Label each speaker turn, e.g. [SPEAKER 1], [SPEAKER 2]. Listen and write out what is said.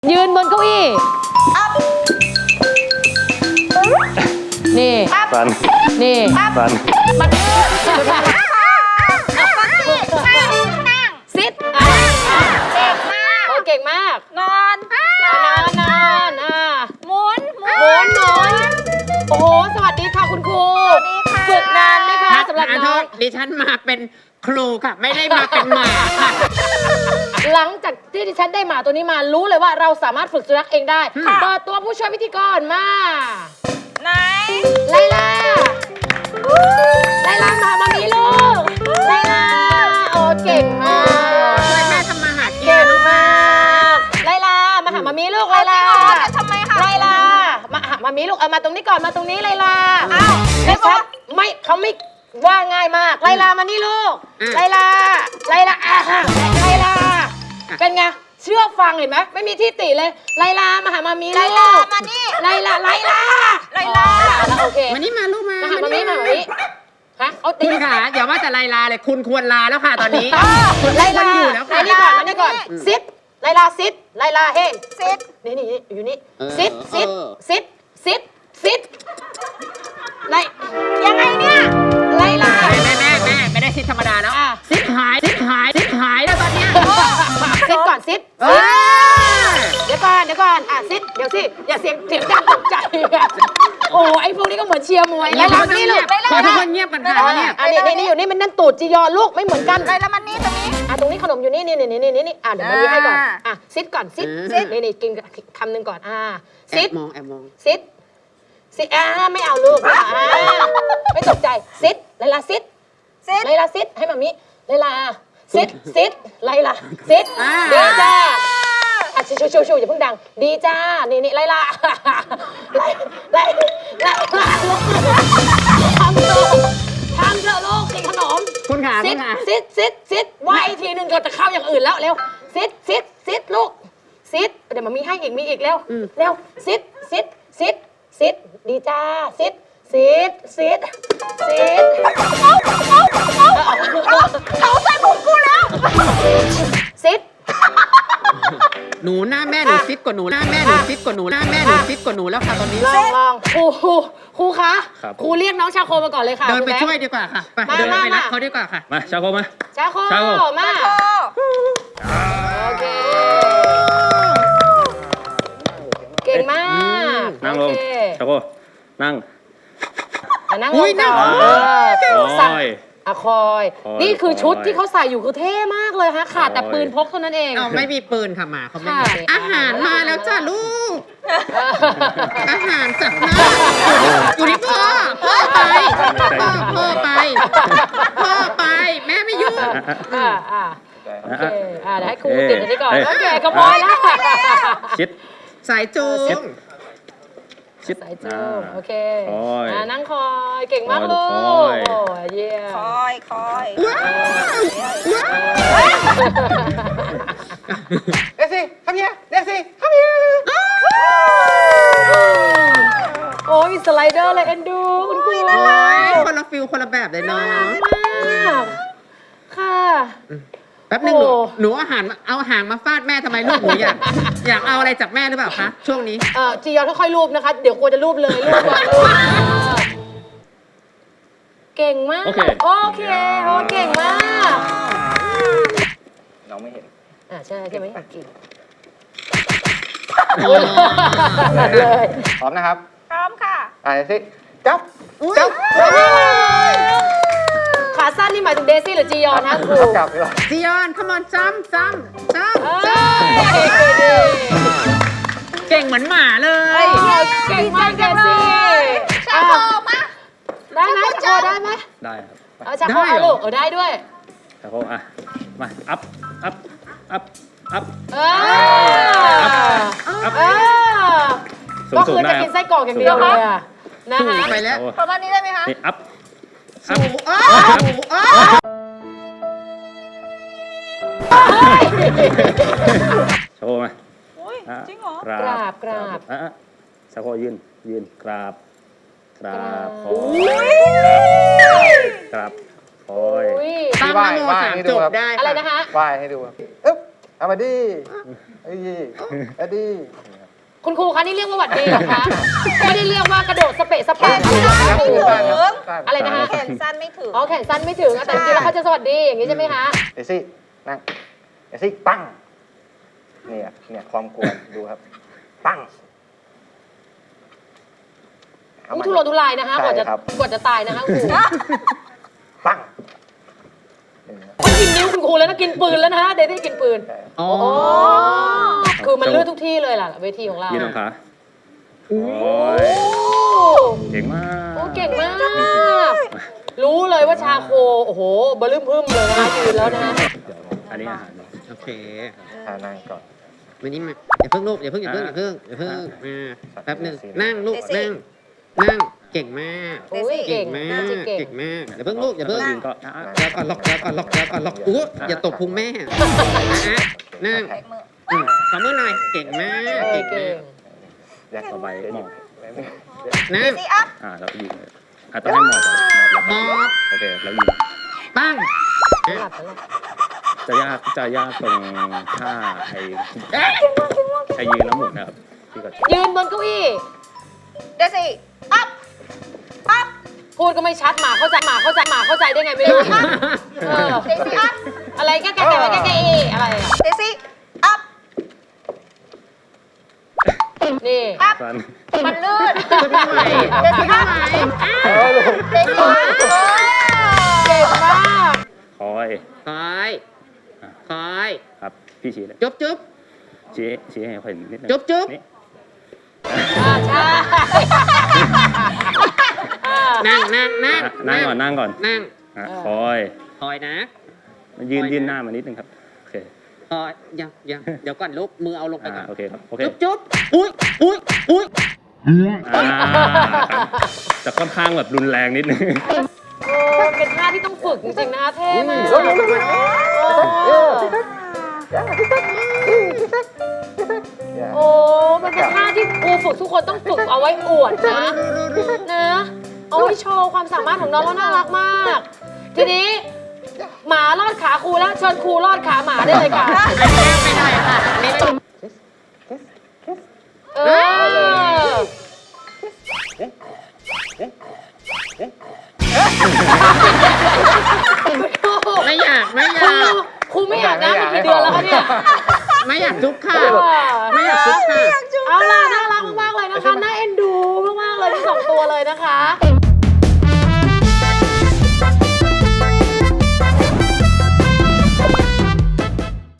[SPEAKER 1] ยืนบนเก้าอี้นี่
[SPEAKER 2] ฟัน
[SPEAKER 1] นี่
[SPEAKER 2] ฟัน
[SPEAKER 1] มัน
[SPEAKER 3] ซิด
[SPEAKER 1] เก่งมาก
[SPEAKER 3] นอน
[SPEAKER 1] นอน
[SPEAKER 3] หมุน
[SPEAKER 1] หมุนโอ้โหสวัสดีค่ะคุณครู
[SPEAKER 3] สวัสดีค่ะ
[SPEAKER 1] ฝึกนานไหมคะสำหรับน้อง
[SPEAKER 4] ดิฉันมาเป็นครูค่ะ ไม่ได้มาเป็นหมาค่ะ
[SPEAKER 1] หลังจากที่ดิฉันได้หมาตัวนี้มารู้เลยว่าเราสามารถฝึกสุนัขเองได้เปิดตัวผู้ช่วยพิธีกรมา
[SPEAKER 3] ไหน
[SPEAKER 1] ไลลามามีลูกไลลาโอ้เก่งมาก
[SPEAKER 4] ช่วยแม่ทำมาหากิน
[SPEAKER 1] เก่งมากไลลามาหามามีลูกไลลา
[SPEAKER 3] จะทำไมคะ
[SPEAKER 1] ไลลามาหามามีลูกเอามาตรงนี้ก่อนมาตรงนี้ไลลา
[SPEAKER 3] อ้าว
[SPEAKER 1] ดิฉันไม่เขาไม่ว่าง่ายมากไลลามานี่ลูกไลลาไลลาเป็นไงเชื่อฟังเห็นไหมไม่มีที่ติเลยไลลามาหามามีลูก
[SPEAKER 3] ไลลามานี่
[SPEAKER 1] ไลลา แล้วโอเค
[SPEAKER 4] มานี่มาลูกมา
[SPEAKER 1] มาหามามีฮะเอาตี
[SPEAKER 4] คุณขาอย่าว่าแต่ไลลาเลยคุณควรลาแล้วค่ะตอนนี้
[SPEAKER 1] ไลลา
[SPEAKER 4] คุณอยู่แล้ว
[SPEAKER 1] มา
[SPEAKER 4] ค่ะ
[SPEAKER 1] นี่ก่อนซิดไลลาซิดไลลาเฮ้
[SPEAKER 3] ซิด
[SPEAKER 1] นี่อยู่นี่
[SPEAKER 4] เออ
[SPEAKER 1] ซิดไล
[SPEAKER 3] ยังไงเนี่ย
[SPEAKER 1] ไลลา
[SPEAKER 4] แม่ไม่ได้ซิดธรรมดาแล้วซิดหายแล้วตอนเนี้ย
[SPEAKER 1] ซิดก่อนซิด
[SPEAKER 4] เออ
[SPEAKER 1] เดี๋ยวก่อนซิดเดี๋ยวสิอย่าเสียงดังตกใจโอ้ไอ้พวกนี้ก็เหมือนเชียร์มวยไลลามานี่ลูก
[SPEAKER 4] ขอทุกคนเงียบกันค่ะเนี่ย
[SPEAKER 1] นี่อยู่นี่มันนั่นตูดจียอลูกไม่เหมือนกัน
[SPEAKER 3] ไลลามันนี่ตรงนี้
[SPEAKER 1] ตรงนี้ขนมอยู่นี่เดี๋ยวมาดีให้ก่อนซิดก่อนซิดนี่กินคำหนึ่งก่อน
[SPEAKER 4] แอ
[SPEAKER 1] ซิด
[SPEAKER 4] บมอง
[SPEAKER 1] ซิดไม่เอาลูกไม่ตกใจซิดไลลาซิด
[SPEAKER 3] ซิด
[SPEAKER 1] ไลลาซิดให้มามิไลลาซิดไลลาซิดดีจ้าชูอย่าเพิ่งดังดีจ้านี่ไลลาไลทำเถอะลูกกินขนม
[SPEAKER 4] คุณขา
[SPEAKER 1] ซิดว่าอีกทีหนึ่งก็จะเข้าอย่างอื่นแล้วเร็วซิดลูกซิดเดี๋ยวมามีให้อีกมีอีกเร็วซิดดีจ้าซิด
[SPEAKER 3] เขาใส่ผมกูแล้ว
[SPEAKER 1] ซิด
[SPEAKER 4] หนูหน้าแม่หนูซิดกว่าหนูหน้าแม่หนูซิดกว่าหนูหน้าแม่หนูซิดกว่าหนูแล้วค่ะตอนนี้
[SPEAKER 1] ลองครูคะครูเรียกน้องชาโคมาก่อนเลยค่ะ
[SPEAKER 4] เดินไปช่วยดีกว่าค่ะไปเดินไปรับเขาดีกว่าค่ะ
[SPEAKER 2] มาชาโกมา
[SPEAKER 1] ชาโคมาโอเคเก่งมาก
[SPEAKER 2] นั่งลงชาโกนั่ง
[SPEAKER 1] นั่งลงก่อนสั่งคอยนี่คือชุดที่เขาใส่อยู่คือเท่มากเลยฮะขาดแต่ปืนพกเท่านั้นเอง
[SPEAKER 4] เอาไม่มีปืนค่ะหมาเขาไม่มีอาหารมาแล้วจ้าลูก อาหารจับหน้าอยู่ที่พ่อไปแม่ไม่ยุ่ง
[SPEAKER 1] โอเคเดี๋ยวให้ครูติดอันนี้ก่อนโอเคก็พอแล้ว
[SPEAKER 2] ชิด
[SPEAKER 4] สายจูง
[SPEAKER 2] ชิด
[SPEAKER 1] สายจูงโอเค
[SPEAKER 2] คอย
[SPEAKER 1] นั่งคอยเก่งมากลูกโอ้เยี่ยม
[SPEAKER 3] คอย
[SPEAKER 4] เด็กสิทำยังเด็กสิทำยัง
[SPEAKER 1] โอ้ยมีสไลเดอร์เลยเอ็นดูคุณครู
[SPEAKER 4] โอ้ยคนละฟิลคนละแบบเลยเนาะ
[SPEAKER 1] ค่ะ
[SPEAKER 4] แป๊บนึงหนูเอาหางมาฟาดแม่ทำไมลูกหนูอยากเอาอะไรจากแม่หรือเปล่าคะช่วงนี้
[SPEAKER 1] จียอนค่อยๆรูปนะคะเดี๋ยวกลัวจะรูปเลยรูปเก่งมากโอเคเก่งมาก
[SPEAKER 2] น้องไม่เห็น
[SPEAKER 1] ใช่ไหมเก่ง
[SPEAKER 2] เลย พร้อมนะครับ
[SPEAKER 3] พร้อมค่ะ
[SPEAKER 2] ไปสิจับ
[SPEAKER 1] ขาสั้นนี่หมายถึงเดซี่หรือจียอนนะครู
[SPEAKER 2] จับดีกว่า
[SPEAKER 4] จียอน come on จ้ำเก่งเหมือนหมาเลย
[SPEAKER 1] เก่งมากเดซี่
[SPEAKER 3] ชาโคมา
[SPEAKER 1] ได้ไหมชาโคได้ไหม
[SPEAKER 2] ได้ครับ
[SPEAKER 1] ชาโคเอาลูกได้ด้วย
[SPEAKER 2] ชาโกมาอัพ
[SPEAKER 1] ก็คือจะกินไส้กรอกอย่างเดียวเลยนะฮะ
[SPEAKER 4] ไปแล้ว
[SPEAKER 3] ประมาณนี้ได้ไหมคะ
[SPEAKER 2] นี่อัพ ชาโกมา
[SPEAKER 3] จริงเหรอ
[SPEAKER 2] กราบชาโกยืนกราบคอย
[SPEAKER 4] ตั้งนโมสามจบได้
[SPEAKER 1] อะไรนะคะ
[SPEAKER 5] ไหว้ให้ดูอึ๊บเอามาดิเอ้ยเอาดิ
[SPEAKER 1] คุณครูคะนี่เรียกว่าหวัดดีเหรอคะ ไม่ได้เรียกว่ากระโดดสเปะส
[SPEAKER 3] แข
[SPEAKER 1] ปะ
[SPEAKER 3] นสั้นไม่ถึง
[SPEAKER 1] อะไรนะคะ
[SPEAKER 3] แขนสั้นไม่ถึง
[SPEAKER 1] อ๋อแขนสั้นไม่ถึงแต่จริงๆแล้วเขาจะสวัสดีอย่างนี้ใช่ไหมคะ
[SPEAKER 5] เดซี่นั่งเดซี่ปั้งเนี่ยความกวนดูครับ ปั้งเอา
[SPEAKER 1] นี่
[SPEAKER 5] มา
[SPEAKER 1] ทุรนทุรายนะคะกว่าจะ
[SPEAKER 5] ใช่ครับ
[SPEAKER 1] กว่าจะตายนะคะคุณครู
[SPEAKER 5] ปั้ง
[SPEAKER 1] มันกินนิ้วคุณครูแล้วนะกินปืนแล้วนะเดซี่กินปืน
[SPEAKER 4] อ๋อ
[SPEAKER 1] โอ้คือมันเลือดทุกที่เลยล่ะเวทีของเรา
[SPEAKER 2] ยืนลงขาโอ้
[SPEAKER 1] โอ้
[SPEAKER 2] ยเก่งมาก
[SPEAKER 1] โอ้เก่งมาก รู้เลยว่าชาโคโอ้โหบลืมพึ่มเลยนะคะยืนแล้วนะ
[SPEAKER 2] เดี๋ยวอันนี้อาหาร
[SPEAKER 4] โอเค
[SPEAKER 5] นั่งก่อน
[SPEAKER 4] มานี่มาอย่าเพิ่งลูกอย่าเพิ่งมาแป๊บหนึ่งนั่งลูกนั่งเก่งมาก
[SPEAKER 1] โอ้ยเก่ง
[SPEAKER 4] มาม
[SPEAKER 1] าก
[SPEAKER 4] กเก่งมากอย่าเพิ่งลูกอย่าเพิ่ง
[SPEAKER 2] ยืนก็
[SPEAKER 4] แล้วก่อนล็อกอู้อย่าตบพุงแม่นั่งขอมือหน่อยเก่งมาก
[SPEAKER 1] เออ
[SPEAKER 4] เก่ง
[SPEAKER 1] เก่ง
[SPEAKER 5] อยาก
[SPEAKER 2] ต่อไปหมอบ
[SPEAKER 4] นั่ง
[SPEAKER 3] ซีอัพ
[SPEAKER 2] แล้วยิงเลยต้องให้หมอบก่อนหมอบแล้วโอเคแล้วยิง
[SPEAKER 4] ปั้ง
[SPEAKER 1] หลับแล้วล่ะ
[SPEAKER 2] จะยากตรงท่าไอ้ยืนแล้วหมุนนะครับที่ก็
[SPEAKER 1] ยืนบนเก้าอี้
[SPEAKER 3] เดซี่อัพอัพ
[SPEAKER 1] พูดก็ไม่ชัดหมาเข้าใจได้ไงไม่รู้เออ
[SPEAKER 3] เดซี่อัพ
[SPEAKER 1] อะไรแก่อะไรอ่ะ
[SPEAKER 3] เดซี่อัพ
[SPEAKER 1] นี่
[SPEAKER 3] อัพ
[SPEAKER 2] สั้น
[SPEAKER 3] มันลื่น
[SPEAKER 4] ไม่ไหว
[SPEAKER 3] เดซี่อัพเดซี่อัพ
[SPEAKER 1] เก่งมาก
[SPEAKER 2] คอย
[SPEAKER 4] คอย
[SPEAKER 2] ครับพี่ชี้เลย
[SPEAKER 4] จุ๊บ
[SPEAKER 2] ชี้ให้เขาเห็นนิดนึง
[SPEAKER 4] จุ๊บ
[SPEAKER 2] นี่
[SPEAKER 1] ใช่
[SPEAKER 4] นั่ง
[SPEAKER 2] นั่งก่อน
[SPEAKER 4] นั่ง
[SPEAKER 2] คอย
[SPEAKER 4] คอยนะ
[SPEAKER 2] ยืนหน้ามานิดนึงครับโอเค
[SPEAKER 4] คอยยังเดี๋ยวก่อนลูกมือเอาลงไปก่อน
[SPEAKER 2] โอเคครับโอเค
[SPEAKER 4] จุ๊บอุ้ย
[SPEAKER 2] จะค่อนข้างแบบรุนแรงนิดนึง
[SPEAKER 1] โอ้เป็นท่าที่ต้องฝึกจริงๆนะคะเท่มากโอ้มันเป็นท่าที่ครูฝึกทุกคนต้องฝึกเอาไว้อวดนะเอาไว้โชว์ความสามารถของน้องว่าน่ารักมาก ทีนี้หมาลอดขาครูแล้วเชิญครูลอดขาหมาได้เลยค่ะ
[SPEAKER 4] ไม่ได้ค่ะนี่ไม่
[SPEAKER 1] เออ
[SPEAKER 4] ไม่อยาก
[SPEAKER 1] ครูไม่อยากนะมันกี่เดือนแล้วคะเนี่ย
[SPEAKER 4] ไม่อยากจุ๊บค่ะ ไม่อยากจุ๊บค่ะ
[SPEAKER 1] เอาล่ะน่ารักมากๆเลยนะคะ น่าเอ็นดูมากๆเลยทั้งสองตัวเลยนะคะ